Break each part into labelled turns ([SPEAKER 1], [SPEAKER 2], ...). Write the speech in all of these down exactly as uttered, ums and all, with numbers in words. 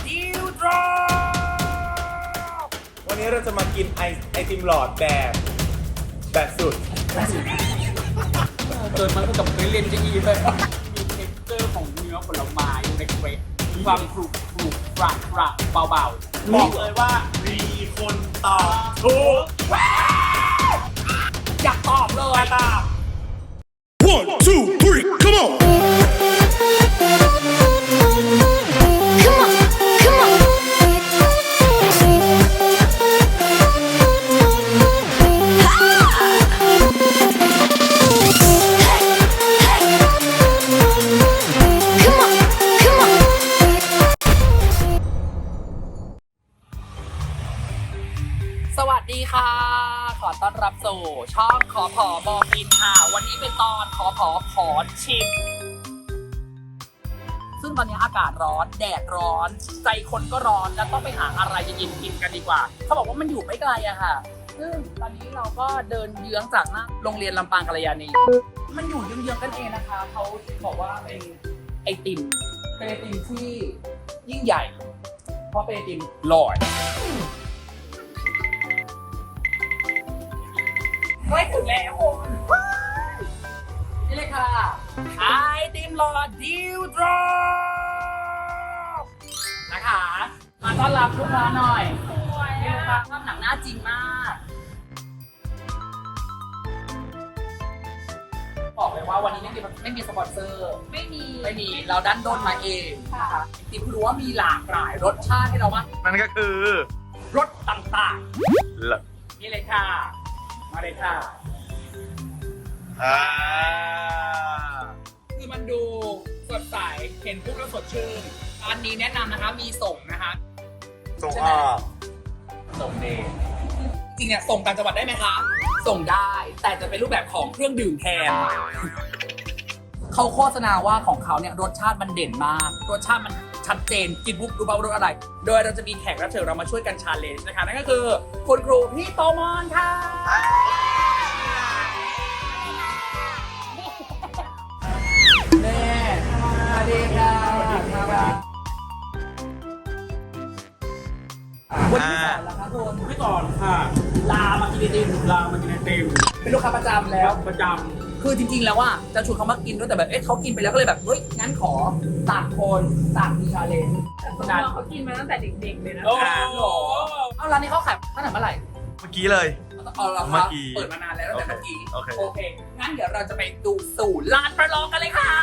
[SPEAKER 1] ดิวดรอปวันนี้เราจะมากินไอไอติมหลอดแบบแบบสุด
[SPEAKER 2] เกินมันก็กับเคยเล่นจะอีเลยมีเท็กเจอร์ของเนื้อผลไม้อยู่ในเกรดมีความกรุบกรุบกระกระเบาๆบอกเลยว่า
[SPEAKER 1] มีคนตอบถูก
[SPEAKER 2] อยากตอบเลยตอบ
[SPEAKER 3] One, two, three, come on!
[SPEAKER 4] Come on, come on. Come on, come on.
[SPEAKER 2] สวัสดีค่ะ ขอต้อนรับสู่ช่องขอผอบอกกินค่ะ วันนี้เป็นตอนขอผอขอชิม ซึ่งตอนนี้อากาศร้อนแดดร้อน ใจคนก็ร้อนแล้วต้องไปหาอะไรเย็นๆกินกันดีกว่า เขาบอกว่ามันอยู่ไม่ไกลอะค่ะ ซึ่งตอนนี้เราก็เดินเยื้องจากหน้าโรงเรียนลำปางกัลยาณีมันอยู่เยื้องๆกันเองนะคะเขาบอกว่าเป็นไอติมเป็นไอติมที่ยิ่งใหญ่ เพราะเป็นไอติมหลอด ใกล้ถึงแล้วคุณนี่เลยค่ะไอติมหลอดดิวดรอปนะคะ มาต้อนรับลูกค้าหน่อยนี่ลูกค้าภาพหนังหน้าจริงมาก บอกเลยว่าวันนี้ไม่มีไม่มีสปอนเซอร์
[SPEAKER 5] ไม่มี
[SPEAKER 2] ไม่มีเราดันด้นมาเองค่ะไอติมรู้ว่ามีหลากหลายรสชาติให้เรามาก
[SPEAKER 1] นั่นก็คือ
[SPEAKER 2] รสต่าง
[SPEAKER 1] หลอด
[SPEAKER 2] ๆ นี่เลยค่ะ มาเลยค่ะ
[SPEAKER 1] อ่า
[SPEAKER 2] คือมันดูสดใส เห็นปุ๊บแล้วสดชื่นร้านนี้แนะนำนะคะ มีส่งนะคะ
[SPEAKER 1] ส่ง
[SPEAKER 2] ใช่
[SPEAKER 1] อ
[SPEAKER 2] ไหม
[SPEAKER 1] อก
[SPEAKER 2] ส่งเดย์จริงเนี่ยส่งต่างจังหวัดได้ไหมคะ ส่งได้ แต่จะเป็นรูปแบบของเครื่องดื่มแทน เขาโฆษณาว่าของเขาเนี่ยรสชาติมันเด่นมาก รสชาติมันชัดเจน กินปุ๊บรู้ป่าวารสอะไร โดยเราจะมีแขกรับเชิญเรามาช่วยกันชาเลนจ์นะคะ นั่นก็คือคุณครูพี่โตมอนค่ะ แม่สวัสดีค่ะสวัสดีค่ะวันที่สอนแล้วครับคุณ
[SPEAKER 5] ไม่ก่อนค่ะ
[SPEAKER 2] ลามากินไอติม
[SPEAKER 5] ลามากินไอติม
[SPEAKER 2] เป็นลูกค้าประจำแล้ว
[SPEAKER 5] ประจ
[SPEAKER 2] คือจริงๆแล้วว่าจะชวนเขามากินด้วยแต่แบบเอ๊ะเขากินไปแล้วก็เลยแบบเฮ้ยงั้นขอต่างคนต่างมีชาเลนจ์
[SPEAKER 5] ำ
[SPEAKER 2] นาน
[SPEAKER 5] เขากินมาตั้งแต่เด็กๆเลยนะ
[SPEAKER 2] โอ้โหเอาร้านนี้เขาขายตั้งแต่เมื่อไหร่
[SPEAKER 1] เมื่อกี้เลย
[SPEAKER 2] เอาละค
[SPEAKER 1] เมื่
[SPEAKER 2] รับ
[SPEAKER 1] อกี้
[SPEAKER 2] เปิดมานานแล้วตั้งแต่เมื่อกี้
[SPEAKER 1] โอเค
[SPEAKER 2] โอเคงั้นเดี๋ยวเราจะไปดูสู่ร้านประลองกันเลยค่ะ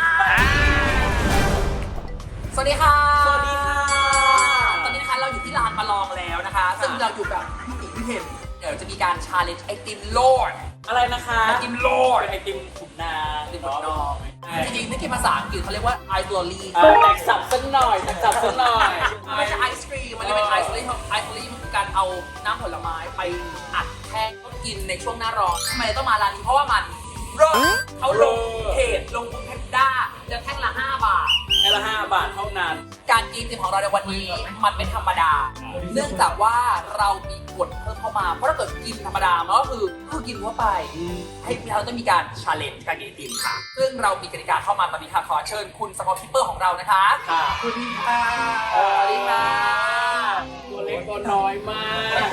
[SPEAKER 2] สวัสดีค่ะ
[SPEAKER 5] สวัสดีค่ะ
[SPEAKER 2] ตอนนี้นะคะเราอยู่ที่ร้านประลองแล้วนะคะ ซึ่งเราอยู่กับพี่ติ๋มพี่เห็นเดี๋ยวจะมีการชาเลนจ์ไอติมโลด
[SPEAKER 5] อะไรนะคะ
[SPEAKER 2] ไอติมโลด
[SPEAKER 5] เป็นไอติมขุนนาง
[SPEAKER 2] ไอติมโลดจริงๆนี่คือภาษาอังกฤษเขาเรียกว่าไอตัวลี
[SPEAKER 5] เออแตกสับสักหน่อยแตกสับสักหน่อย
[SPEAKER 2] มันไม่ใช่ไอศครีมมันจะเป็นไอซ์ลี่ไอซ์ลี่มันคือการเอาน้ำผลไม้ไปอัดแท่งก็กินในช่วงหน้าร้อนทำไมต้องมาร้านนี้เพราะว่ามันร้อนเขาลงเพจลงเพจด้าจะแท่งละห้าบาท
[SPEAKER 5] แค่ละห้าบาทเท่านั้น
[SPEAKER 2] การกินของเราในวันนี้มันเป็นธรรมดา เนื่องจากว่าเรามีกฎเพิ่มเข้ามา เพราะถ้าเกิดกินธรรมดามันก็คือคือกินทั่วไป ให้เราต้องมีการชาเลนจ์การกินไอติมค่ะ ซึ่งเรามีกติกาเข้ามาตอนนี้ค่ะขอเชิญคุณสกอร์คิปเปอร์ของเรานะคะ
[SPEAKER 5] ค่ะ
[SPEAKER 2] คุณค่ะ
[SPEAKER 5] สวัสดีค่ะ
[SPEAKER 2] ส
[SPEAKER 5] ตั
[SPEAKER 2] วั
[SPEAKER 5] ว
[SPEAKER 2] สดี
[SPEAKER 5] เล็ก
[SPEAKER 2] ค่ะ
[SPEAKER 5] ตัวน้อยมาก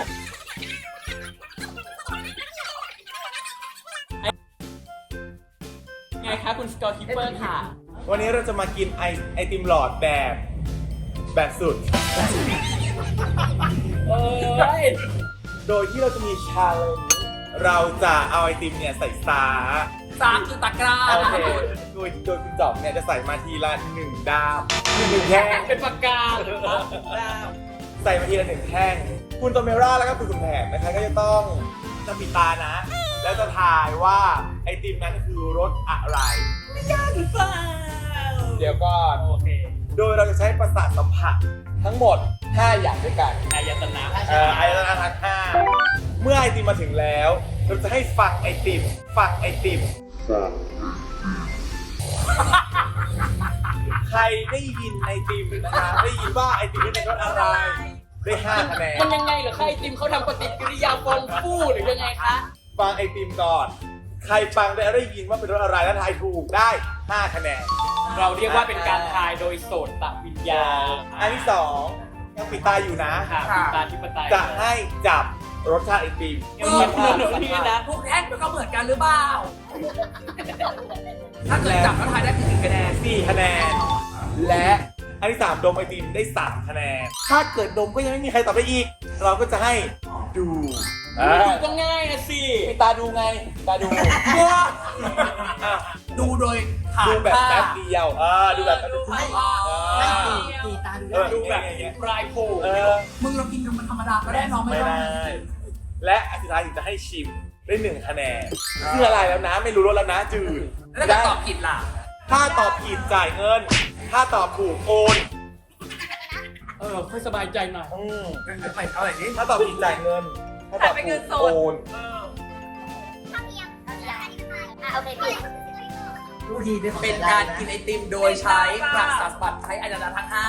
[SPEAKER 5] ไงคะคุณสกอร์คิปเปอร์ค่ะ
[SPEAKER 1] วันนี้เราจะมากินไอไอติมหลอดแบบแบบสุด
[SPEAKER 5] เอ้ย
[SPEAKER 1] โดยที่เราจะมีชาเลนจ์เราจะเอาไอติมเนี่ยใส่ซา
[SPEAKER 2] สามคือตะกร้า
[SPEAKER 1] โอ
[SPEAKER 2] นะ
[SPEAKER 1] เค
[SPEAKER 2] คะคุณ
[SPEAKER 1] โดยโดยคุณจอบเนี่ยจะใส่มาทีละหนึ่งด้ามคือหนึ่งแท่ง
[SPEAKER 5] เป็นปากกาเหรอคะ
[SPEAKER 1] ใส่มาทีละหนึ่งแท่ง คุณโตเมร่าแล้วก็คุณคุณแผนนะคะก็จะต้องจะปิดตานะ แล้วจะทายว่าไอติมนั้นคือรสอะไร
[SPEAKER 5] หรือเปล่า
[SPEAKER 1] เดี๋ยวก่อน
[SPEAKER 5] โอเค
[SPEAKER 1] โดยเราจะใช้ประสาทสัมผัสทั้งหมดห้าอย่างด้วยกัน
[SPEAKER 5] อายตนะ
[SPEAKER 1] เอ่อไอตนะทั้งห้าเมื่อไอติมมาถึงแล้ว เราจะให้ฟังไอติม ฟังไอติม ใครได้ยินไอติมนะคะได้ยินว่าไอติมนี่เป็นรสอะไร ได้ห้าคะแนน
[SPEAKER 5] มันยังไงเหรอคะไอติมเขาทำปฏิกิริยาฟองฟูหรือยังไงคะ
[SPEAKER 1] ฟังไอติมก่อน ใครฟังได้ได้ยินว่าเป็นรสอะไรแล้วทายถูกได้ห้าคะแนน
[SPEAKER 5] เราเรียกว่าเป็นการทายโดยโสตวิญญาณ
[SPEAKER 1] อันที่สองยังปิดตาอยู่นะ
[SPEAKER 5] ค่ะปิดตาที่ปไตย
[SPEAKER 1] จะให้จับรสชาติไอติม
[SPEAKER 2] เออหนูนี่นะพวกแท่งมันก็เหมือนกันหรือเปล่า ถ้าเกิดจับแล้วทายได้กี่คะแนน
[SPEAKER 1] สี่คะแนน และอันที่สามดมไอติมได้สามคะแนน ถ้าเกิดดมก็ยังไม่มีใครตอบได้อีก เราก็จะให้ดูอ่า
[SPEAKER 5] ดูก็ง่ายนะสิ
[SPEAKER 1] ปิดตาดูไงปิดตาดูอ่ะ
[SPEAKER 2] ดูโดยผ่าน
[SPEAKER 1] ดูแบบ
[SPEAKER 2] ตา
[SPEAKER 1] แป๊บเดียวอ่าดูแบบแป๊บเดียว
[SPEAKER 2] ผ่าน
[SPEAKER 1] อ่า
[SPEAKER 2] ตา
[SPEAKER 6] ตีตาดู
[SPEAKER 1] เออ
[SPEAKER 5] ดูแบบ
[SPEAKER 1] อย่างเงี้ย
[SPEAKER 5] ปลายโผล่
[SPEAKER 1] เออ
[SPEAKER 2] มึงเรากินกันมันธรรมดาก็ได้น้องไม่
[SPEAKER 1] ไม่
[SPEAKER 2] ได้
[SPEAKER 1] ได้ และอันสุดท้ายถึงจะให้ชิมได้หนึ่งคะแนนคืออะไรแล้วนะไม่รู้รสแล้วนะจืด
[SPEAKER 2] แล้วถ้าตอบผิดล่ะ
[SPEAKER 1] ถ้าตอบผิดจ่ายเงิน ถ้าตอบถูกโอน
[SPEAKER 5] เออค่อยสบายใจหน่อย
[SPEAKER 1] อืม
[SPEAKER 2] ไม่เอาอะไรนี้
[SPEAKER 1] ถ้าตอบผิดจ่ายเงิน ถ้าตอบถูกโอน
[SPEAKER 4] อ่ะโอเคพี่
[SPEAKER 6] ดูดีด้วย
[SPEAKER 2] เป็นการกินไอติมโดยใช้ประสาทบัตรใช้อายตนะทั้งห้า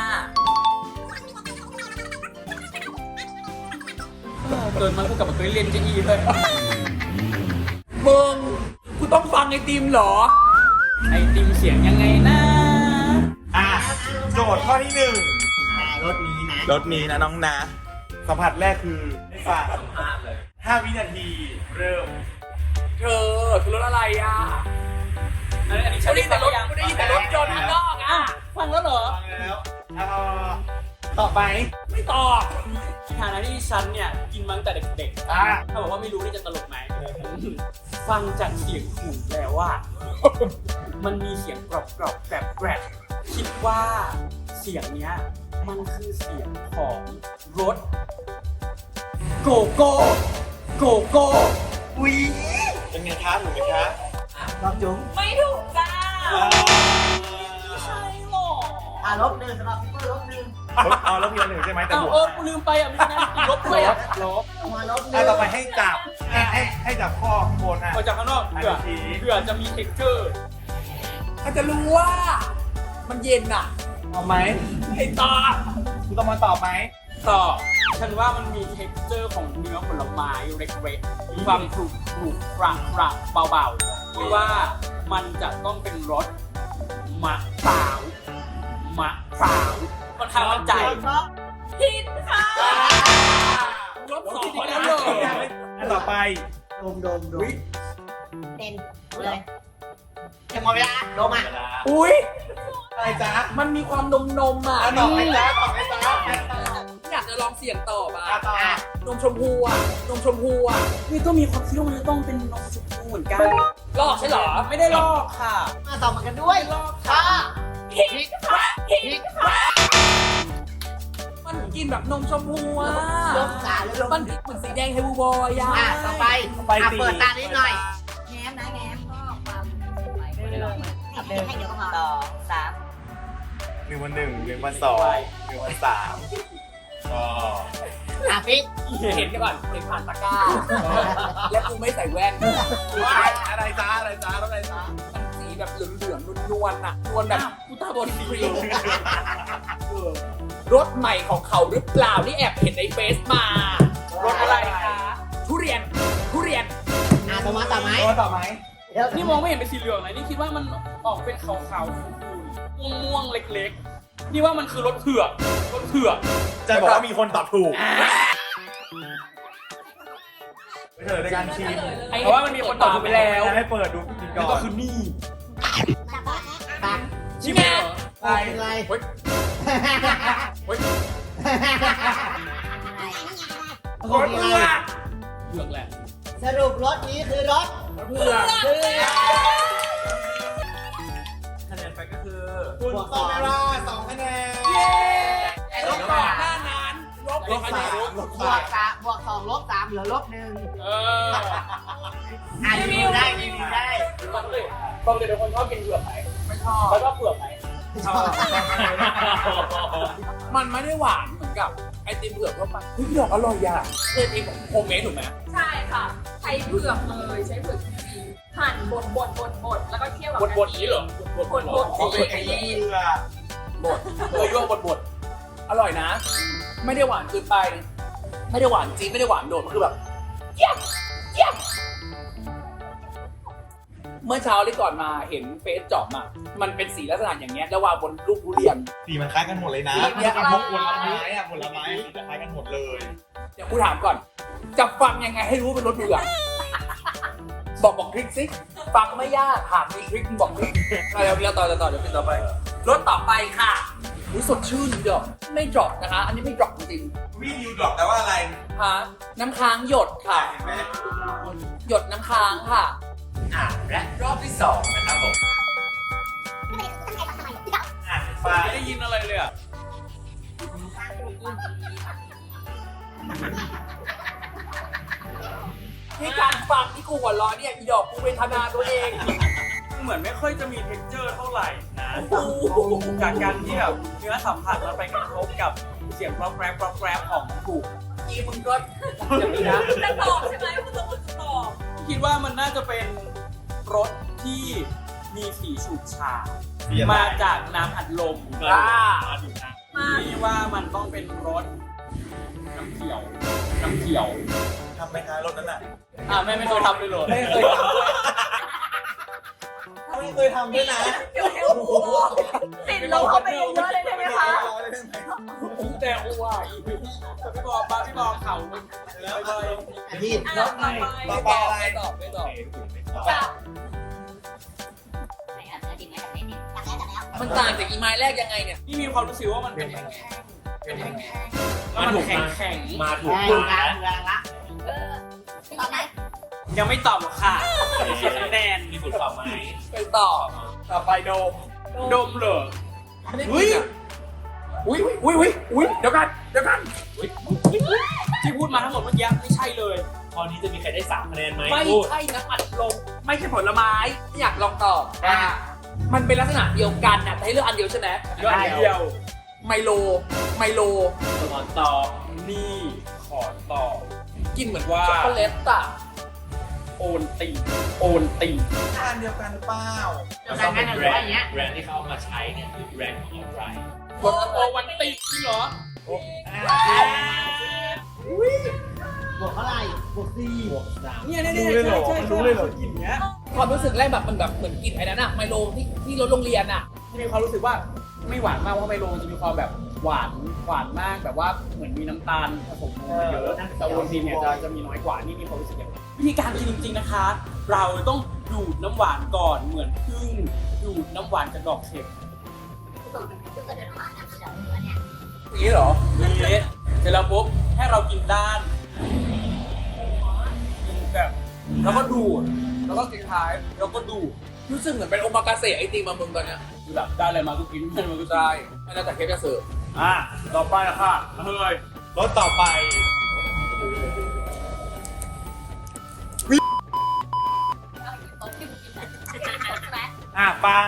[SPEAKER 5] เกิดมากูกลับมาเคยเรียนจะอีเลย
[SPEAKER 2] มึงกูต้องฟังไอติมเหรอ
[SPEAKER 5] ไอติมเสียงยังไงนะ
[SPEAKER 1] อ่ะโจทย์ข้อที่หนึ่ง
[SPEAKER 6] รถนี้นะ
[SPEAKER 1] รถนี้นะน้องนะ สัมผัสแรกคือให้ฟังห้าวินาทีเริ่ม
[SPEAKER 2] เธอคือรถอะไรอ่ะ
[SPEAKER 5] อันนี้อันนี้
[SPEAKER 2] กู
[SPEAKER 5] ฉัน
[SPEAKER 2] ได้
[SPEAKER 5] ได้
[SPEAKER 2] ยิน
[SPEAKER 5] แต่
[SPEAKER 2] แต่
[SPEAKER 5] ร
[SPEAKER 2] ร
[SPEAKER 5] ถ
[SPEAKER 2] ถกูได้ยินแต่รถยนต์ข้างนอกอ่ะ
[SPEAKER 5] ฟังแล้วเหรอ
[SPEAKER 1] ฟังแล้วเอาตอบไป
[SPEAKER 2] ไม่ตอบ
[SPEAKER 5] ฐานะที่ฉันเนี่ยกินมาตั้งแต่เด็ก
[SPEAKER 1] อ่ะ
[SPEAKER 5] ๆถ้าบอกว่าไม่รู้นี่จะตลกไหม ฟังจากเสียงหูแล้วว่า มันมีเสียงกรอบกรอบๆแกรบแกรบคิดว่าเสียงเนี้ยมันคือเสียงของรถโกโก้โกโก้
[SPEAKER 1] อุ้ยเป็นไงคะถูกไหมคะ
[SPEAKER 6] รอบจุ๋ม
[SPEAKER 2] ไม่ถูกจ้า
[SPEAKER 1] อ่า
[SPEAKER 2] ใช่หรอ
[SPEAKER 6] อ่ะลบหนึ่งสำหรับพี่เปิ้ลลบหนึ่ง
[SPEAKER 1] เอาแล้วเพียงหนึ่งใช่ไหมแต่
[SPEAKER 5] อ้าว
[SPEAKER 1] บวก
[SPEAKER 5] เออกูลืมไปอ่ะมีคะแนนติดลบด้วยอ่ะ
[SPEAKER 1] ลบ
[SPEAKER 6] มาลบห
[SPEAKER 1] อ่ะ
[SPEAKER 6] นึ่ง
[SPEAKER 1] ต่อไปให้จับให้ให้ให้จับข้อข้างบนอ่ะ
[SPEAKER 5] ออกจากข้างนอกเผื่อเผื่อจะมีเท็กเจอร์
[SPEAKER 2] อาจจะรู้ว่า มันเย็นอ่ะ
[SPEAKER 1] เอาไหม
[SPEAKER 2] ไอ้ตา
[SPEAKER 1] คุณต้องมาตอบไหม
[SPEAKER 5] ต่อฉันว่ามันมีเท็กเจอร์ของเนื้อผลไม้เล็กๆมีความกรุบกรุบกระกระเบาๆหรือว่ามันจะต้องเป็นรสมะพร้าวมะพร้าวค่อนข้างมั่นใจ
[SPEAKER 2] ผิดค่ะรถสองคนแล้วเหรอ
[SPEAKER 1] อันต่อไป
[SPEAKER 6] ดมดมดมเต็มเลยจะหมดเวลาดมอ่ะ
[SPEAKER 2] อุ้ย
[SPEAKER 1] อะไรจ๊ะ
[SPEAKER 2] มันมีความนมนมๆอ่ะ
[SPEAKER 1] อ่ะตอบไหมจ๊ะตอบไหมจ๊ะ
[SPEAKER 2] อยากจะลองเสี่ยงต่อป่ะ
[SPEAKER 1] อ่ะตอบ
[SPEAKER 2] นมชมพูอ่ะ นมชมพูอ่ะ
[SPEAKER 5] นี่ก็มีความคิดว่ามันจะต้องเป็นนมชมพูเหมือนกัน
[SPEAKER 2] ลอกใช่เหรอ
[SPEAKER 5] ไม่ได้ลอกค่ะ
[SPEAKER 6] มาตอบเหมือนกันด้วยลอกค่ะ
[SPEAKER 2] ผิดค่ะผิดค่ะมันกินแบบนมชมพูอ่ะ
[SPEAKER 6] ลบสามแล้วลบ
[SPEAKER 2] มันเหมือนสีแดงเฮลบอยอ่ะ
[SPEAKER 6] อ่ะต่อไปอ่ะเปิดตานิดหน่อย
[SPEAKER 4] แง้มนะแง้มก็ความสวยไม่ได้ลงมาให้ให้เดี๋ยวก็พอสองสาม
[SPEAKER 1] หนึ่งวันหนึ่งหนึ่งวันสองหนึ่งวันสามก็
[SPEAKER 6] อ่ะพี่
[SPEAKER 2] เห็นกันก่อนเห็นผ่านตะกร้า และกูไม่ใส่แว่น
[SPEAKER 1] อะไรจ๊ะอะไรจ๊ะอะไรจ๊ะ
[SPEAKER 2] มันสีแบบเหลืองๆนวลๆอ่ะนวลแบบกูตาบอดสีรถใหม่ของเขาหรือเปล่านี่แอบเห็นในเฟซมา รถอะไรคะ ทุเรียน ทุเรียน
[SPEAKER 6] อ่ะต่อมาต่อไหม
[SPEAKER 1] โดนต่อไหม
[SPEAKER 6] เดี๋ยว
[SPEAKER 5] นี่มองไม่เห็นเป็นสีเหลืองเลยนี่คิดว่ามันออกเป็นขาวๆขุ่นๆม่วงๆเล็กๆ นี่ว่ามันคือรถเผือกรถเผือก
[SPEAKER 1] จะบอกว่ามีคนตอบถูกไปเฉลยในการชิม
[SPEAKER 5] เพราะว่ามันมีคนตอบถูกไปแล้ว
[SPEAKER 1] ให้เปิดดูกินก่อน
[SPEAKER 5] ก็คือนี่
[SPEAKER 6] ตัก
[SPEAKER 5] ชิมเลยเหรอ
[SPEAKER 6] อะไรอะไร
[SPEAKER 5] เฮ้ยเฮ้ย
[SPEAKER 6] รถอะไร
[SPEAKER 5] เผือกแหละ
[SPEAKER 6] สรุปรถนี้คือรถ
[SPEAKER 2] เพื่อ
[SPEAKER 6] เพื่อ
[SPEAKER 5] คะแนนไปก็คือ
[SPEAKER 1] คุณโซเมราสองคะแนน
[SPEAKER 2] ไอ้รถก่อนหน้านั้นลบ
[SPEAKER 1] ลบสามลบบ
[SPEAKER 6] ว
[SPEAKER 1] สาก ม
[SPEAKER 6] สามบวกสองลบสามเหลือลบหนึ่ง
[SPEAKER 5] เออ
[SPEAKER 6] อ่ะรีวิวได้รีวิวได้
[SPEAKER 5] ปกติปกติทุกคนชอบกินเผือกไหม
[SPEAKER 2] ไม่ชอบ
[SPEAKER 5] แล้วก็เผือกไหม
[SPEAKER 6] ชอบ
[SPEAKER 2] มันไม่ได้หวานเหมือนกับไอติมเผือกทั่วไปเฮ้ยดอกอร่อยอ่ะเออเองโฮมเมดถูกไหม
[SPEAKER 7] ใช่ค่ะ ใช้เผือกเลยใช้เผือกจริงๆหั่นบดบดบดบดแล้วก็เคี่ยวกับบ
[SPEAKER 2] ดบดนี้เหรอ
[SPEAKER 7] บดบด
[SPEAKER 2] โอเคไอ้นี่
[SPEAKER 1] เพื่อบ
[SPEAKER 2] ดเออยั่วบดบดอร่อยนะ ไม่ได้หวานเกินไป ไม่ได้หวานจี๊ดไม่ได้หวานโดดมันคือแบบเยี่ยมเยี่ยมเมื่อเช้าที่ก่อนมาเห็นเฟซจอบมามันเป็นสีลักษณะอย่างเงี้ยแล้ววางบนลูกทุเรียน
[SPEAKER 1] สีมันคล้ายกันหมดเลยนะ
[SPEAKER 2] สีเนี่ย
[SPEAKER 1] พวกผลไม้อะผลไม้สีจะคล้ายกันหมดเลย
[SPEAKER 2] เดี๋ยวกูถามก่อน จะฟังยังไงให้รู้ว่าเป็นรถเบื่อบอกบอกทริคสิฟังไม่ยากถามมีทริคมึงบอกทริคเดี๋ยวเราต่อเราต่อเดี๋ยวเป็นต่อไปรถต่อไปค่ะรู้สดชื่นเดี๋ยวไม่ดรอปนะคะ อันนี้ไม่ดรอปจริง
[SPEAKER 1] วิ่งยูดรอปแต่ว่าอะไร
[SPEAKER 2] ๆฮะน้ำค้างหยดค่ะ
[SPEAKER 1] เห็นไหม
[SPEAKER 2] หยดน้ำค้างค่ะ
[SPEAKER 8] อ่ะและรอบที่สองนะครับผม
[SPEAKER 1] อ่านไป
[SPEAKER 5] ไม่ได้ยินอะไรเลยอ่ะ
[SPEAKER 2] ที่การฟังที่กูหัวเร้อนเนี่ยอีดอกกูเวทนาตัวเอง
[SPEAKER 5] เหมือนไม่ค่อยจะมี texture เท่าไหร่นะ
[SPEAKER 2] โอ้โห
[SPEAKER 5] จากการที่แบบเนื้อสัมผัสมันไปกระทบกับเสียงกรอบแกรบกรอบแกรบของถูก
[SPEAKER 2] อีมึงก็อย่างนี้นะ
[SPEAKER 7] จะตอบใช่ไหมคุณต้องจะตอบ
[SPEAKER 5] คิดว่ามันน่าจะเป็นรถที่มีสีฉูดฉาด
[SPEAKER 1] สีอะไร
[SPEAKER 5] มาจากน้ำอัดลม
[SPEAKER 2] อ่า
[SPEAKER 7] มา
[SPEAKER 5] ที่ว่ามันต้องเป็นรถน้ำเขียว น้ำเขียว
[SPEAKER 1] ทำไหมคะรถนั้นอ่ะ
[SPEAKER 5] อ่าไม่ไม่เคยทำเลยเหรอ
[SPEAKER 2] ไม่เคยทำด้วย
[SPEAKER 1] ไม่เคยทำด้วยนะ
[SPEAKER 7] เดี๋ยวเดี๋ยวติดลงเข้าไปเยอะๆเลยได้ไหมคะ
[SPEAKER 5] แต่ว่าอีกพี่บอกมาพี่บอกเขาแล้วไป
[SPEAKER 6] อาทิตย์
[SPEAKER 7] อ่ะต่อไป
[SPEAKER 1] ต่อไปอะไร
[SPEAKER 2] ไม่ตอบไม่ตอบ
[SPEAKER 7] จับ
[SPEAKER 4] ไหนอ่ะเจอดินไหมจากไหนดินจากแล้วจากแล้ว
[SPEAKER 2] มันต่างจากอีไม้แรกยังไงเนี่ย
[SPEAKER 5] พี่มีความรู้สึกว่ามันเป็นแข็งๆเป็นแข็งๆแล้วมันแข็งแข็งๆ
[SPEAKER 8] มาถูก
[SPEAKER 6] ได้
[SPEAKER 8] ถูก
[SPEAKER 6] กลา
[SPEAKER 8] นะ
[SPEAKER 6] งกลางละ
[SPEAKER 4] เออตอบไหม
[SPEAKER 5] ยังไม่ตอบหรอกค่ะเสียคะแนน
[SPEAKER 8] มีบุตรต่อไหม
[SPEAKER 2] ไปตอบต่อไปโดม
[SPEAKER 5] ดมเหรอ
[SPEAKER 2] เฮ้ยอุ้ยอุ้ยอุ้ยอุ้ยเดี๋ยวกันเดี๋ยวกัน
[SPEAKER 5] ที่พูดมาทั้งหมดเมื่อกี้ไม่ใช่เลย
[SPEAKER 8] ข้อนี้จะมีใครได้สามคะแนนไหม
[SPEAKER 2] ไม่
[SPEAKER 8] พูด
[SPEAKER 2] ใช่น้ำอัดลมไม่ใช่ผลไม้ไม่อยากลองตอบว่ามันเป็นลักษณะเดียวกันนะแต่ให้เลือกอันเดียวใช่ไหม
[SPEAKER 5] เรื่องเดียว
[SPEAKER 2] ไมโลไมโล
[SPEAKER 8] สมอนตอบ
[SPEAKER 5] นี่ขอตอบ
[SPEAKER 2] กินเหมือน
[SPEAKER 5] ว่า
[SPEAKER 2] ช็อกโกแลตอะ
[SPEAKER 5] โอนตีโอนตี
[SPEAKER 1] ทานเดียวกันหรือเปล่า
[SPEAKER 8] มันต้องเป็นแบรนด์แบรนด์ที่เขาเอามาใช้เนี่ยคือแบรนด์ของอะไร
[SPEAKER 5] โอโอวันตีจริงเหรอ
[SPEAKER 6] บวกเท่าไหร่บวกสี่
[SPEAKER 8] บวกสาม
[SPEAKER 5] เนี่ยเนี่ย
[SPEAKER 1] รู้เลยเหรอ
[SPEAKER 5] ใช่ใช่
[SPEAKER 1] รู้เลยเหรอ
[SPEAKER 5] กลิ่นเนี้ย
[SPEAKER 2] ความรู้สึกแรกแบบมันแบบเหมือนกินไอ้นั้นอะไมโลที่ที่รถโรงเรียนอะ
[SPEAKER 5] มีความรู้สึกว่าไม่หวานมากเพราะไมโลมันจะมีความแบบหวานหวานมากแบบว่าเหมือนมีน้ำตาลผสมมาเยอะแต่โอวัลตินเนี่ยจะจะมีน้อยกว่านี่มีความรู้สึกอย่างนั้นวิธีการกินจริงๆนะคะ เราต้องดูดน้ำหวานก่อนเหมือนพึ่งดูดน้ำหวานจากดอกเข็ม
[SPEAKER 4] ตัวเกิดเดินผ่านนะเดี๋ยวอันเนี้ย
[SPEAKER 2] อย่างนี้เหรอ
[SPEAKER 5] นี่เสร็จแล้วปุ๊บให้เรากินด้านกินแบบแล้วก็ดูดแล้วก็สุดท้ายแล้วก็ดูด
[SPEAKER 2] รู้สึกเหมือนเป็นโอมากาเสะไอติมมามึงตอนเนี้ย
[SPEAKER 5] คือแบบได้อะไรมาก็กินได้อะไรมาก็
[SPEAKER 2] ใช่
[SPEAKER 5] ได้
[SPEAKER 2] ไม่น่าจะเคฟจะเสิร์ฟ
[SPEAKER 5] อ่ะต่อไปละค่ะเฮ้ย
[SPEAKER 1] รถต่อไป
[SPEAKER 4] โต๊ะที่มึงกินแบบ
[SPEAKER 1] อ่ะฟัง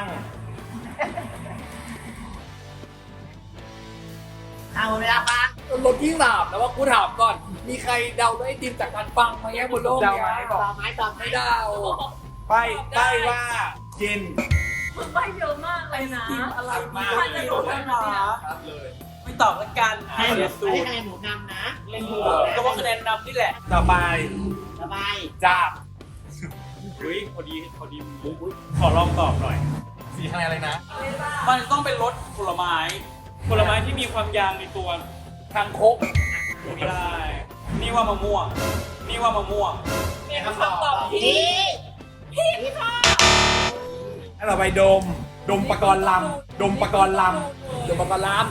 [SPEAKER 6] เอาเวลาฟัง
[SPEAKER 2] รถที่สามแล้วว่ากูถามก่อน มีใครเดาได้ไอติมจากการฟังไหมบนโลก
[SPEAKER 1] เดา
[SPEAKER 2] เนี้
[SPEAKER 1] ไหม
[SPEAKER 2] ย
[SPEAKER 6] ตอบไหมตอบไหม
[SPEAKER 2] ไม่เดา
[SPEAKER 1] ไปไปว่ากิน
[SPEAKER 7] มึงไปเยอะมากเลยนะ
[SPEAKER 5] กินอะไร
[SPEAKER 1] มา
[SPEAKER 5] มาไม่รู้นะไม่ตอบละกัน
[SPEAKER 6] ให้
[SPEAKER 5] เดี๋ยวสู
[SPEAKER 6] ให้
[SPEAKER 5] ตร
[SPEAKER 6] คะแนนหมูนำนะเล่นหมู
[SPEAKER 5] ก็ว่าคะแนนนำนี่แหละ
[SPEAKER 1] ต่อไป
[SPEAKER 6] สบาย
[SPEAKER 1] จับ
[SPEAKER 5] อุ้ยพอดีพอดีขอลองตอบหน่อย
[SPEAKER 1] สีคะแนนอะไรนะ
[SPEAKER 5] มันจะต้องเป็นรสผลไม้ ผลไม้ที่มีความยางในตัว
[SPEAKER 2] ทางโคก
[SPEAKER 5] ไม่ได้ นี่ว่ามะม่วง นี่ว่ามะม่วง
[SPEAKER 7] เป็นคำตอบที่
[SPEAKER 6] นี่
[SPEAKER 1] ให้เราไปดม ดมปะกรณ์ลำ ดมปะกรณ์ล
[SPEAKER 2] เดี๋ยวมาปลาลาม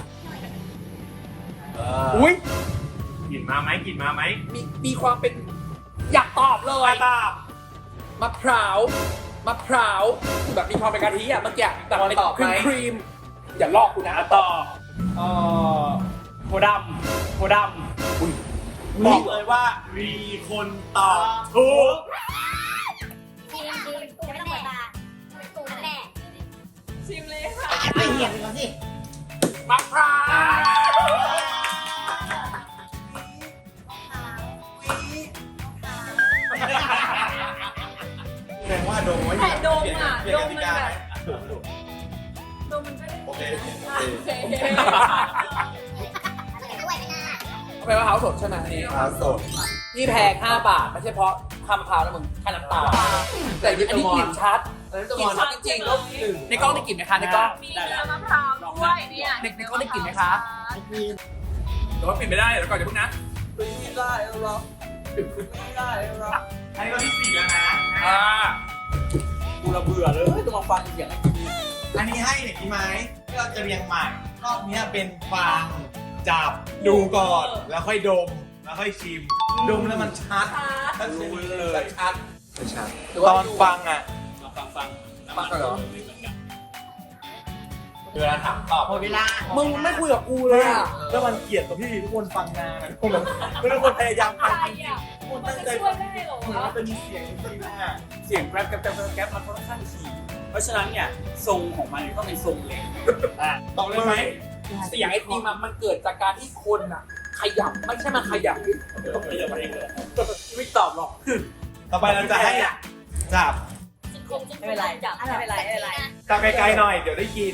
[SPEAKER 1] ำ
[SPEAKER 2] อุ้ย
[SPEAKER 8] กลิ่นมาไหมกลิ่นมาไหม
[SPEAKER 2] มีมีความเป็นอยากตอบเลย
[SPEAKER 1] ตอบ
[SPEAKER 2] มะพร้าวมะพร้าวแบบมีความเป็นกะทิอะเมื่อกี้แต่เป็น
[SPEAKER 1] ตอบ
[SPEAKER 2] ค
[SPEAKER 1] ไหม
[SPEAKER 2] รีมครีมอย่าลอกกูนะ
[SPEAKER 5] ต่อเอ่อโพดำโพด
[SPEAKER 1] บอกเลยว่ามีคนตอบถูก
[SPEAKER 4] ทีมทีมกูไม่ต้องเปิดตากูนั่นแหละ
[SPEAKER 7] ชิมเลยค่ะ
[SPEAKER 6] ไปเหี่ยงก่อนสิ
[SPEAKER 2] มะพร้าว
[SPEAKER 1] แสดงว่าดมไว้
[SPEAKER 7] แต่ดม
[SPEAKER 1] เปลี่ยน
[SPEAKER 7] อ่ะ
[SPEAKER 1] เปลี่ยน
[SPEAKER 7] ด
[SPEAKER 1] ก
[SPEAKER 7] ม
[SPEAKER 1] ติ
[SPEAKER 7] มัน
[SPEAKER 1] กา
[SPEAKER 7] แบ
[SPEAKER 1] ไหม
[SPEAKER 7] บดมมันก็ได้
[SPEAKER 1] โอเค
[SPEAKER 7] โอเค
[SPEAKER 4] ด้วยไม่น่า
[SPEAKER 2] เอาไปมะพร้าวสดใช่ไหมนี่
[SPEAKER 1] มะพร้าวสด
[SPEAKER 2] นี่แพงห้าบาทไม่ใช่เพราะคำมะพร้าวนะมึงค่าน้ำตาลแต่อันนี้กลิ่นชัดกลิ่นชัดจริงๆในกล้องได้กลิ่นไหมคะในกล้อง
[SPEAKER 7] มีน้ำมะพร้าวด้วยเนี่ย
[SPEAKER 2] เด็กๆก็ได้กลิ่นไหมคะ
[SPEAKER 1] แต่ว่าปิดไม่ได้เดี๋ยวก่อนเดี๋ยวพวกนะ
[SPEAKER 5] ไม่ได้หรอกไม่ได้หรอก
[SPEAKER 1] อันนี้ก็ที่สี่แล้วนะ
[SPEAKER 2] อ่า
[SPEAKER 5] กูระเบื่อเลยต้องมาฟังเสียงไอ้ที
[SPEAKER 1] อันนี้ให้เนี่ยพี่ไม้ที่เราจะเรียงใหม่รอบนี้เป็นฟังจับดูก่อนแล้วค่อยดมแล้วค่อยชิมดมแล้วมันชัดชัดเลยชัดชัดตอนฟังอ่ะ
[SPEAKER 8] มาฟังฟัง
[SPEAKER 2] ฟังเหรอ
[SPEAKER 1] เวลาถามตอบ
[SPEAKER 6] หมดเวลา
[SPEAKER 2] มึงไม่คุยกับกูเลยอ่ะ
[SPEAKER 1] แล้วมันเกลียดกับพี่ทุกคนฟังนานทุกคนไม่ทุกคนพยายามฟัง
[SPEAKER 7] ใครอ่ะมันจะช่วยได้เหรอ
[SPEAKER 1] เหมือนมันจะมีเสียงจริงๆอ่ะ
[SPEAKER 5] เสียงแกร็บแกร็บแกร็บแกร็บมันค่อนข้างถี่เพราะฉะนั้นเนี่ยทรงของมันต้องเป็นทรงเล็ก
[SPEAKER 1] ตอบเลยไหม
[SPEAKER 2] เสียงไอ้ทีมมันเกิดจากการที่คนอ่ะ ขยับไม่ใช่มาขยับ
[SPEAKER 5] ไม่ตอบหรอก
[SPEAKER 1] ต่อไปเราจะให้จับ
[SPEAKER 4] ไม่เป็นไรจับไม่เป็นไรไม่เป็นไร
[SPEAKER 1] จับไกลๆหน่อยเดี๋ยวได้ยิน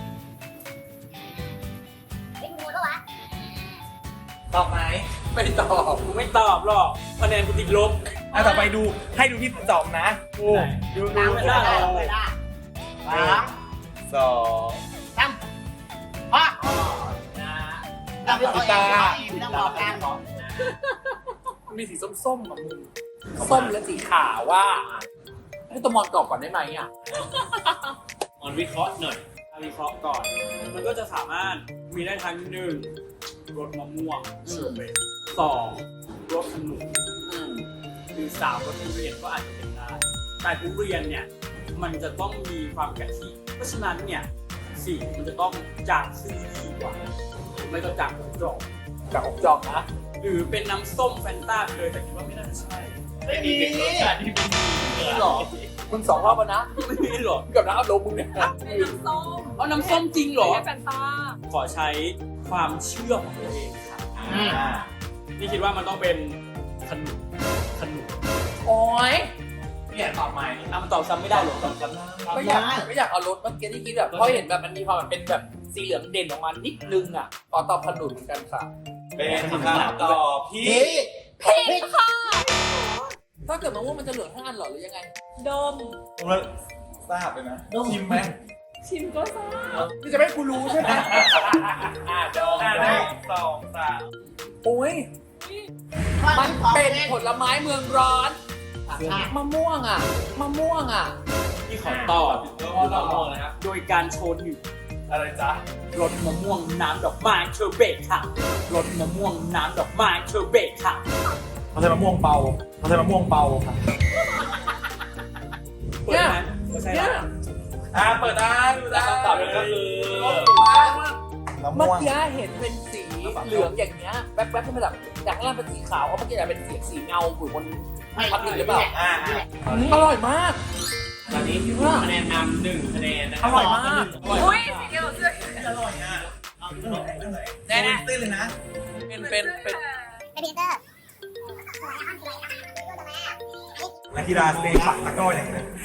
[SPEAKER 4] เป็นงูแล้ววะ
[SPEAKER 1] ตอบไหม
[SPEAKER 2] ไม่ตอบ
[SPEAKER 5] กูไม่ตอบหรอกคะแนนกูติดลบ
[SPEAKER 1] อ่ะต่อไปดูให้ดูที่สองนะดูดู
[SPEAKER 5] ล้างไม่ได้หรอ
[SPEAKER 6] เวลาสาม
[SPEAKER 1] สอง
[SPEAKER 6] สามพ่อจำไม่ต้องตาไม่ต้องบอกกันหรอ
[SPEAKER 2] มันมีสีส้มๆกับมึงส้มและสีขาวว่าให้ตวมอนตอบก่อนได้ไหมอ่ะ
[SPEAKER 8] ออนวิเคราะห์หน่อย
[SPEAKER 5] วิเคราะห์ก่อน มันก็จะสามารถมีได้ทั้งหนึ่งรสมะม่วง
[SPEAKER 2] อืม
[SPEAKER 5] สองรสขนุน
[SPEAKER 2] อืม
[SPEAKER 5] หรือสามรสทุเรียนก็อาจจะเป็นได้แต่ทุเรียนเนี่ยมันจะต้องมีความกะทิเพราะฉะนั้นเนี่ยสีมันจะต้องจากซีดีกว่าหรือไม่ก็จากหัวจอก
[SPEAKER 2] กับอบจอกนะ
[SPEAKER 5] หรือเป็นน้ำส้มแฟนต้าเลยแต่คิดว่าไม่น่าจะใช่
[SPEAKER 8] ไม่มีเป็นรสชาติที่เป็น
[SPEAKER 2] นี่หรอมึงสองรอบแล้วนะ
[SPEAKER 5] ไม่มีหรอก
[SPEAKER 2] กับน้ำอารมณ์มึงเนี่ย
[SPEAKER 7] เป็นน้ำส้ม
[SPEAKER 5] เอาน้ำส้มจริงเหรอ
[SPEAKER 7] ไม่ใช่แฟนตา
[SPEAKER 5] ขอใช้ความเชื่อของตัวเองค่ะ
[SPEAKER 1] อ่า
[SPEAKER 5] นี่คิดว่ามันต้องเป็นขนุนขนุน
[SPEAKER 2] โอ้ย
[SPEAKER 1] เนี่ยตอบใหม่
[SPEAKER 5] อ่ะมันตอบซ้ำไม่ได้หรอกตอบซ้ำได้
[SPEAKER 2] ไม่อยากไม่อยากเอารถเมื่อกี้ที่คิดแบบเพราะเห็นแบบมันมีความแบบเป็นแบบสีเหลืองเด่นออกมานิดนึงอ่ะขอตอบขนุนเหมือนกันค่ะ
[SPEAKER 1] เป็นคำตอบพี่
[SPEAKER 7] ผิดค่ะ
[SPEAKER 2] ถ้าเกิดมะม่วงมันจะเหลืองห้าอันเหรอหรือยังไง
[SPEAKER 7] ดม
[SPEAKER 1] ผมว่าทราบเลยนะชิมไหม
[SPEAKER 7] ชิมก็ทราบ
[SPEAKER 2] นี่จะไม่ให้กูรู้ใช่ไหม
[SPEAKER 1] อ่าโดนอ่าหนึ่งสองสาม
[SPEAKER 2] โอ้ยมันเป็นผลไม้เมืองร้อนมะม่วงอ่ะมะม่วงอ่ะ
[SPEAKER 5] ที่ขอตอบ
[SPEAKER 1] ก็ลองมองนะครับ
[SPEAKER 5] โดยการโชว์หนึ่ง
[SPEAKER 1] อะไรจ๊ะ
[SPEAKER 5] รสมะม่วงน้ำดอกไม้เชอร์เบตค่ะรสมะม่วงน้ำดอกไม้เชอร์เบตค่ะ
[SPEAKER 1] เขาใช้มะม่วงเบาเขาใช้มะม่วงเบาค่ะ
[SPEAKER 5] เปิดไหมไม่ใช่
[SPEAKER 2] เนี่ย
[SPEAKER 5] ละ
[SPEAKER 1] อ่าเปิดได้ดูได้
[SPEAKER 5] คำตอบเลยก็คือ
[SPEAKER 1] มะ
[SPEAKER 2] เมื่อ
[SPEAKER 1] ม่วง
[SPEAKER 2] กี้เห็นเป็นสีเหลืองอย่างเงี้ยแป๊บๆขึ้นมาแบบจากข้างล่างเป็นสีขาวเพราะเมื่อกี้เป็นเสียงสีเงาอยู่บนพัดลมหรือเปล่า
[SPEAKER 1] อ่า
[SPEAKER 2] อร่อยมาก
[SPEAKER 8] ตอนนี้พี่คะแนนนำหนึ่งคะแนนนะค
[SPEAKER 2] อ
[SPEAKER 8] รับ
[SPEAKER 2] ร่อยมาก
[SPEAKER 7] อุ้ยสีเขียวเสื้อ
[SPEAKER 1] อร่อยอ่ะเอาเรื่องไหนเรื่องไหน
[SPEAKER 2] แน่
[SPEAKER 1] ตื้นเลยนะ
[SPEAKER 2] ๆเป็นเป็นเป็น
[SPEAKER 4] เป็นพีเตอร์
[SPEAKER 1] นักกีฬาสเตย์ปักตะกร้ออย่างเงี้ย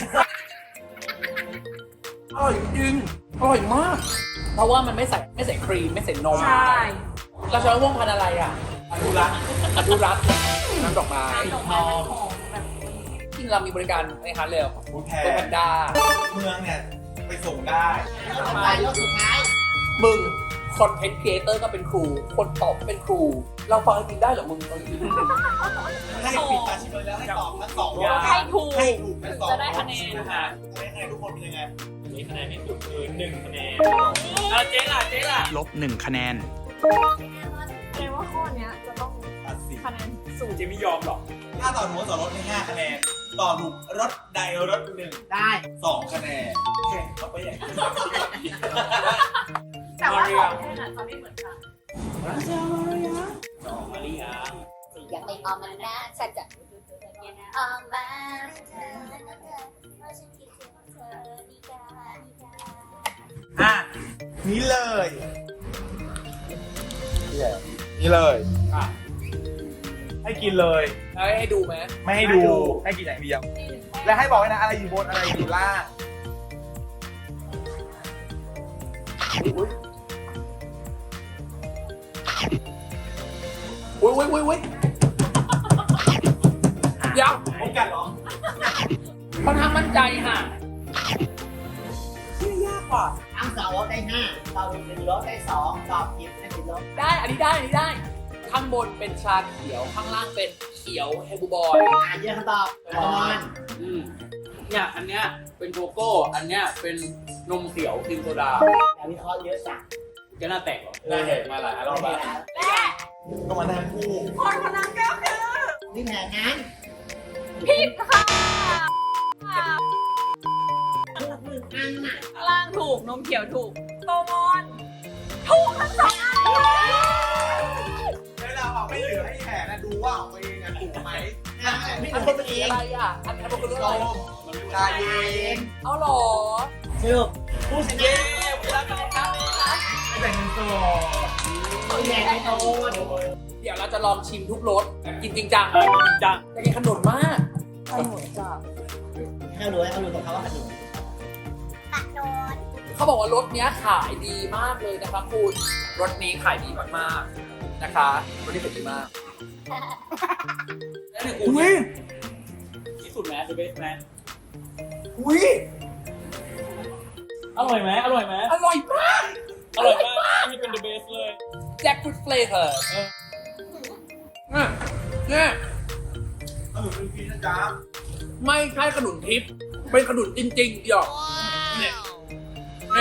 [SPEAKER 2] อร่อยจริงอร่อยมาก เพราะว่ามันไม่ใส่ไม่ใส่ครีมไม่ใส่นม
[SPEAKER 7] ใช่
[SPEAKER 2] เราใช้มะม่วงพันธุ์อะไรอ่ะ
[SPEAKER 1] อนุรักษ์
[SPEAKER 2] อนุรักษ์น้ำดอกไม้
[SPEAKER 7] ดอกไม้มันหอมแบบ
[SPEAKER 2] จริงเรามีบริการในฮาร์ดเรล
[SPEAKER 1] บูแพ
[SPEAKER 2] เป็นแพนด้า
[SPEAKER 1] เมืองเนี่ยไปส่งได้
[SPEAKER 6] ไปรอบสุดท้าย
[SPEAKER 2] มึงคอนเทนต์ครีเอเตอร์ก็เป็นครู คนตอบก็เป็นครู เราฟังจริงได้เหรอมึงตอนนี้
[SPEAKER 1] ให้ปิดตาชิมเลยแล้วให้ตอบทั้งสองอย่าง
[SPEAKER 7] ให้ถูก
[SPEAKER 1] ให้ถูกทั้งสอง
[SPEAKER 7] จะได้คะแนน
[SPEAKER 1] นะฮะให้คะแนนทุกคนเป็นยังไง
[SPEAKER 8] นี่คะแนนที่สุดคือหนึ่งคะแนน
[SPEAKER 5] เอาเจ๊ล่ะเจ๊ล่ะ
[SPEAKER 9] ลบหนึ่งคะแนน
[SPEAKER 7] แสดงว่าข้อเนี้ยจะต้อง
[SPEAKER 1] ตัดสิน
[SPEAKER 7] คะแนนสูง
[SPEAKER 5] เจ๊ไม่ยอมหรอก
[SPEAKER 1] ถ้าต่อถูกต่อรถให้ห้าคะแนน ต่อถูกรถใดรถหนึ่ง
[SPEAKER 6] ได้
[SPEAKER 1] สองคะแนนแข่งเขาไปอย่างนี้
[SPEAKER 7] แต่ว่าของแค่นั้นจะไม่เหมือนกัน
[SPEAKER 8] สองมาริยา
[SPEAKER 4] ยังไม่ออกมานะฉันจะออกมาเธอว่าฉันคิดถึงเธอนิกานิกา
[SPEAKER 1] อ่ะนี่เลย นี่เลยอ่ะให้กินเลย
[SPEAKER 2] ให้ให้ดูไหม
[SPEAKER 1] ไม่ให้ดู ให้กินอย่างเดียว และให้บอกไว้นะอะไรอยู่บนอะไรอยู่ล่าง
[SPEAKER 2] อุ้ยอุ้ยอุ้ยอุ้ยเดี๋ยว
[SPEAKER 1] พบกันเหรอ
[SPEAKER 2] ค่อนข้างมั่นใจค่ะที่ยากกว่า
[SPEAKER 6] ทั้งสองรถได้ห้าตอบผิดหนึ่งรถได้สองตอบผิดไม่ผิดรถ
[SPEAKER 2] ได้อันนี้ได้อันนี้ได้ ข้างบนเป็นชาเขียวข้างล่างเป็นเขียวเฮบูบอย
[SPEAKER 6] อ่านเยอะคำตอบตอน
[SPEAKER 5] อืมเนี่ยอันเนี้ยเป็นโกโก้ อันเนี้ยเป็นนมเขียวครีมโซดา
[SPEAKER 6] อย่าวิเคราะห์เยอะจัง
[SPEAKER 5] จะน่าแตกเหรอ
[SPEAKER 1] ได้เห็นมาหลายรอบแล้วก็มานั่งคู่
[SPEAKER 7] คนคนนั้นก็คือ
[SPEAKER 6] นี่แผนนั้น
[SPEAKER 7] ผิดค่ะ
[SPEAKER 6] ถูกหนึ่งอันน่ะ
[SPEAKER 7] ข้างล่างถูกนมเขียวถูกโตมอนถูกทั้งสองอัน
[SPEAKER 1] เวลาออกไม่เหลือให้แขกนะดูว่าของตัวเองอะถูกไหมนะไม่
[SPEAKER 2] อัน
[SPEAKER 1] ถู
[SPEAKER 2] นี้
[SPEAKER 1] ก
[SPEAKER 2] เป็นสีอะไรอ่ะอันนี้มันคือเรื่อง
[SPEAKER 1] โด
[SPEAKER 2] อะไร
[SPEAKER 1] มชาเย็น
[SPEAKER 2] เอาหรอ
[SPEAKER 6] สรุปผู้ช
[SPEAKER 2] เย้
[SPEAKER 6] นะ
[SPEAKER 2] เวลาไปครับ
[SPEAKER 1] ไม่แต่งเงินสด
[SPEAKER 6] ตัวใหญ่ในโตน
[SPEAKER 2] เดี๋ยวเราจะลองชิมทุกรสกินจริงจัง
[SPEAKER 5] อ่ะจริงจัง
[SPEAKER 2] จะกินขนมมากขนมจ้ะ
[SPEAKER 6] ให้เขารู้ให้เขารู้ตรงเขาว่าขนม
[SPEAKER 4] ตัดโดน
[SPEAKER 2] เขาบอกว่ารสเนี้ยขายดีมากเลยนะคะคุณรสนี้ขายดีมากๆนะคะรสนี้ขายดีมาก
[SPEAKER 5] แล้วหนึ่งกู
[SPEAKER 2] อุ้ย
[SPEAKER 5] ที่สุดแมสเดอะเบสแมส
[SPEAKER 2] อุ้ย
[SPEAKER 5] อร่อยไหมอร่อยไหม
[SPEAKER 2] อร่อยมาก
[SPEAKER 5] อร่อยมากนี่เป็นเดอะเบสเลย
[SPEAKER 2] แจ็คฟรุตเฟลเวอร์
[SPEAKER 5] เออ
[SPEAKER 2] เนี่ยเนี่ย
[SPEAKER 1] ขนมเป็นพีนะจ๊ะ
[SPEAKER 2] ไม่ใช่ขนุนทิพย์เป็นขนุนจริงๆเดี๋ยวเนี่ยเนี่ย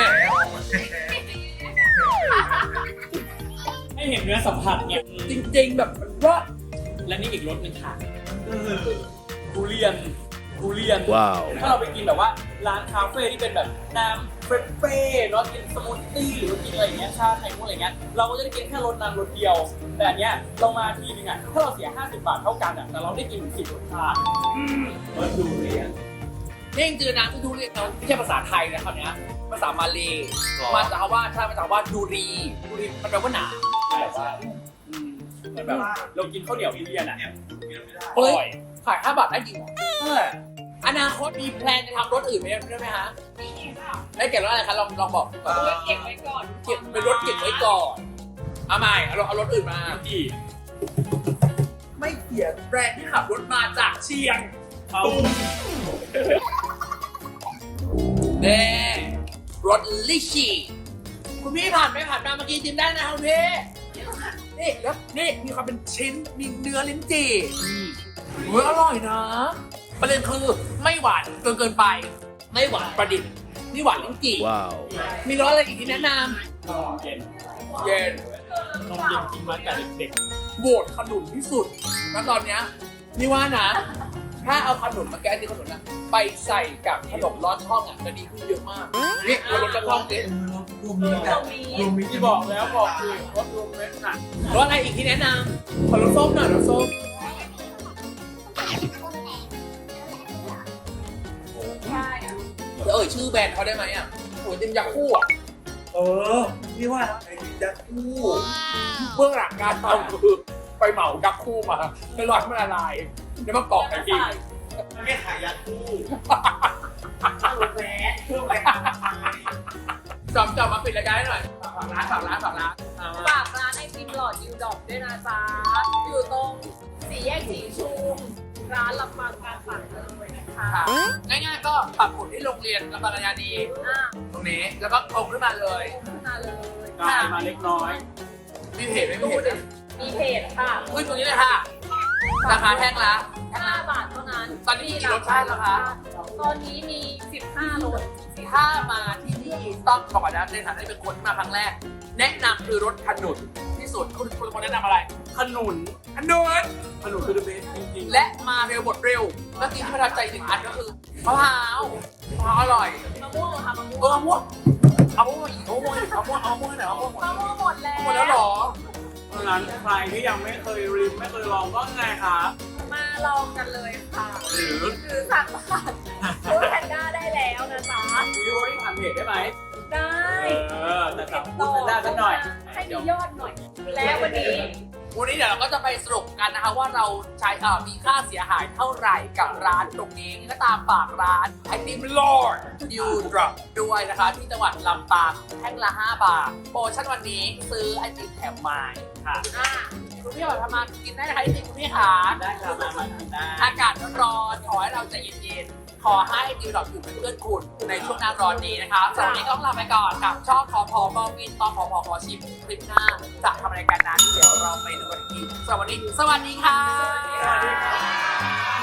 [SPEAKER 5] ให้เห็นเนื้อสัมผัสไง
[SPEAKER 2] จริงๆแบบว่า
[SPEAKER 5] และนี่อีกรสหนึ่งค่ะทุเรียนทุเรียน
[SPEAKER 3] Wow.
[SPEAKER 5] ถ้าเราไปกินแบบว่าร้านคาเฟ่ที่เป็นแบบน้ำเฟรชเฟ่เนาะกินสมูทตี้หรือว่ากินอะไรอย่างเงี้ยชาไข่มุกอะไรเงี้ยเราก็จะได้กินแค่รสนั้นรสเดียว แต่อันเนี้ยเรามาทีนึงอ่ะถ้าเราเสียห้าสิบบาทเท่ากันอ่ะแต่เราได้กินถึงสิบรสชาติรสดูเรียน
[SPEAKER 2] นี่จริงๆนะที่ดูเรียกไม่ใช่ภาษาไทยนะคำนี้ภาษามาเลมาจากคำว่าใช่มาจากคำว่าดูรีดูรีมันแปลว่าหนา
[SPEAKER 5] แบบว่าอืมเหมือนแบบเรากินข้าวเหนียวทุเรียนอ่ะอ
[SPEAKER 2] เฮ้ย
[SPEAKER 5] ร่อย
[SPEAKER 2] ขายห้าบาทได้จริงเหรอเอออนาคตมีแพลนจะทำรถอื่นไหมได้ไหมฮะได้เก็บรถอะไรคะลองลองบอกก่อน
[SPEAKER 7] เอาไว้เก็บไว้ก่อน
[SPEAKER 2] เก็บเป็นรถเก็บไว้ก่อนเอาใหม่เอารถเอารถอื่นมา
[SPEAKER 5] กี่
[SPEAKER 2] ไม่เขียนแบรนด์ที่ขับรถมาจากเชียง
[SPEAKER 5] เอา
[SPEAKER 2] เน่รถลิชี่คุณพี่ผ่านไปผ่านมาเมื่อกี้จิ้มได้นะคุณพี่นี่แล้วนี่มีความเป็นชิ้นมีเนื้อลิ้นจี่เฮ้ยอร่อยนะประเด็นคือไม่หวานเกินเกินไป ไม่หวานประดิษฐ์นี่หวานลิ้นจี่
[SPEAKER 3] Wow.
[SPEAKER 2] มีรสอะไรอีกที่แนะน
[SPEAKER 5] เย็น
[SPEAKER 2] ำเย็น
[SPEAKER 5] นมเย็นกินมาแต่เด็ก
[SPEAKER 2] โหวตขนุนที่สุดแล้วตอนเนี้ยนี่ว่านะ ถ้าเอาขนุนมาแก้ที่ขนุนนะไปใส่กับขนมร้อนช่องอ่ะจะดีขึ้นเยอะมากนี่เอารสกระท่อมดิ
[SPEAKER 1] รวมมีแต่รวมมี
[SPEAKER 5] ๆที่บอกแล้วบอกคือรสรวมเม็ดน่ะ
[SPEAKER 2] รสอะไรอีกที่แนะนำขอรสส้มหน่อยรสส้ม
[SPEAKER 7] ใช่อะ
[SPEAKER 2] จะเอ่ยชื่อแบรนด์เขาได้ไหมอ่ะโอ้ยติมยาคู่อ่ะ
[SPEAKER 1] เออนี่ว่าไอ้ยักษ์คู่
[SPEAKER 2] เบื้องหลังการทำคือไปเหมายักษ์คู่มาไปรอให้มันละลายแล้วมากรอกกันกิน
[SPEAKER 1] มันไม่ขายยักษ์คู่
[SPEAKER 6] แหวน
[SPEAKER 1] เพื่อไป
[SPEAKER 2] จอมจอมมาปิดรายการให้หน่อยฝากร้านฝากร้านฝากร้านอ่า
[SPEAKER 7] ฝากร้านไอติมหลอดยูดอกด้วยนะจ๊ะ อยู่ตรงสี่แยกสีชุม ร้านลำปางการฝันเลยนะคะ
[SPEAKER 2] ค่ะง่ายๆก็ปักหมุดที่โรงเรียนลำปางกัญญานี
[SPEAKER 7] อ่ะ
[SPEAKER 2] ตรงนี้แล้วก็ตรงขึ้นมาเลย
[SPEAKER 7] ขึ้นมาเลย
[SPEAKER 5] กลายมาเล็กน้อย
[SPEAKER 2] มีเพจไหมมีเพจไหม
[SPEAKER 7] มีเพจค่ะ
[SPEAKER 2] ขึ้นตรงนี้เลยค่ะ ราคาแท่งละ
[SPEAKER 7] ห้าบาทเท่านั้น
[SPEAKER 2] ตอนนี้มีกี่รสชาติแล้วคะ
[SPEAKER 7] ตอนนี้มีสิบห้ารส
[SPEAKER 2] ถ้ามาที่นี่ต้องบอกก่อนนะในฐานะที่เป็นคนที่มาครั้งแรก แนะนำคือรสขนุนที่สุดคุณคุณคนแนะนำอะไร
[SPEAKER 5] ขนุน
[SPEAKER 2] ขนุน
[SPEAKER 5] ขนุนคือเดอะเบสจริงๆ
[SPEAKER 2] และมาเร็วหมดเร็วเมื่อกี้ที่ประทับใจอีกหนึ่งอันก็คือมะพร้าวมะพร้าวอร่อย
[SPEAKER 7] มะม่วงเหรอคะมะ
[SPEAKER 2] เอ
[SPEAKER 7] ม่วง
[SPEAKER 2] อมะม่วงเอามะม่วงอีกเอามะม่วงอีกเอามะม่วงเอามะม่วงไหนเอามะม่วงหมด
[SPEAKER 7] มะม่วงหมดแล้ว
[SPEAKER 2] หมดแล้วเหรอ
[SPEAKER 5] เพราะฉะนั้นใครที่ยังไม่เคยริมไม่เคยลองก็ไงครับ
[SPEAKER 7] มาลองกันเลยค่ะ
[SPEAKER 5] หรือ
[SPEAKER 7] คือสั่งผ่านฟู้ดแพนด้าได้แล้วนะจ๊ะ
[SPEAKER 5] วิดีโอที่ผ่านเพจได้ไหม
[SPEAKER 7] ได้
[SPEAKER 5] เออแต่สั่งพูดได้สักหน่อย
[SPEAKER 7] ให้มียอดหน่อย และวันนี้
[SPEAKER 2] วันนี้เดี๋ยวเราก็จะไปสรุปกันนะคะว่าเราใช้เอ่อมีค่าเสียหายเท่าไหร่กับร้านตรงนี้ก็ตามฝากร้านไอติมลอร์ดยูดรอปด้วยนะคะที่จังหวัดลำปางแท่งละห้าบาทโปรโมชั่นวันนี้ซื้อไอติมแถมไม้ค่ะอ่ะคุณพี่บอกทำมากินได้นะคะไอติมคุณพี่ขา
[SPEAKER 5] ได้ครับมามาทำได้
[SPEAKER 2] อากาศร้อนๆขอให้เราใจเย็นๆขขอให้ดิวดอกอยู่เป็นเพื่อนคุณในช่วงหน้าร้อนนี้นะคะสำหรับวันนี้ก็ต้องลาไปก่อนกับช่องขอพอมองวินตอนขอพอขอชิมคลิปหน้าจะทำอะไรกันนั้นเดี๋ยวเราไปดูกันอีกสำหรับวันนี้สวัสดีค่ะ
[SPEAKER 5] สวัสดีค่ะ